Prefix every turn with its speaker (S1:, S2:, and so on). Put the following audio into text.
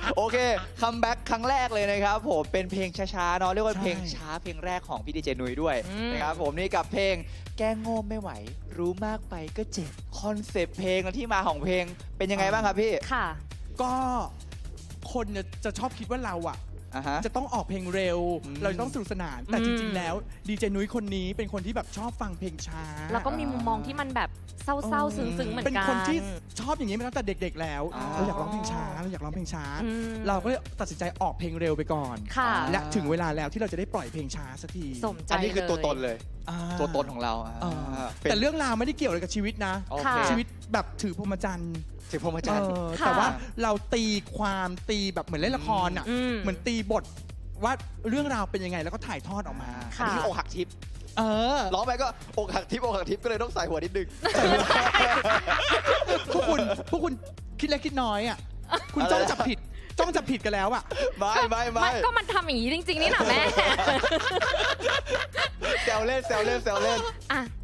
S1: โอเคคัมแบ็กครั้งแรกเลยนะครับผมเป็นเพลงช้าๆเนาะเรียกว่าเพลงช้าเพลงแรกของพี่ดีเจนุ้ยด้วยนะครับผมนี่กับเพลงแก้งโง่ไม่ไหวรู้มากไปก็เจ็บคอนเซปต์เพลงและที่มาของเพลงเป็นยังไงบ้างครับพี่
S2: ค่ะ
S3: ก็คนจะชอบคิดว่าเราอะ
S1: ฮะ
S3: จะต้องออกเพลงเร็ว เราจะต้องสนุกสนาน แต่จริงๆแล้วดีเจนุ้ยคนนี้เป็นคนที่แบบชอบฟังเพลงช้า
S2: แล้วก็มีมุมมองที่มันแบบเศร้าๆซึ้งๆเหมือนกัน
S3: เป็นคนที่ชอบอย่างนี้มาตั้งแต่เด็กๆแล้วเราอยากร้องเพลงช้าเราอยากร้องเพลงช้า เราก็เลยตัดสินใจออกเพลงเร็วไปก่อน
S2: ค่ะ
S3: และถึงเวลาแล้วที่เราจะได้ปล่อยเพลงช้าสักที
S2: สมใจ
S1: อันนี้คือตัวตน
S2: เลย
S1: เลย
S3: อ่า
S1: ตัวตนของเรา
S3: แต่เรื่องราวไม่ได้เกี่ยวอะไรกับชีวิตนะ
S1: โอเค
S3: ชีวิตแบบถือพรหมจรรย์
S1: ถึงพรหมจรรย์
S2: ค่ะ
S3: แต่ว่าเราตีความตีแบบเหมือนเล่นละครอ่ะ เหมือนตีบทว่าเรื่องราวเป็นยังไงแล้วก็ถ่ายทอดออกมา
S1: อันนี้คืออกหักทิพย์ ร้องไปก็อกหักทิพย์อกหักทิพย์ก็เลยต้องใส่หัวนิดนึง
S3: พวกคุณคิดเล็กคิดน้อยอ่ะคุณจ้องจับผิดกันแล้วอ่ะ
S1: ไม่
S2: ก็มันทำอย่างนี้จริงๆนี่นะแม่
S1: แซวเล่น
S2: อ่ะ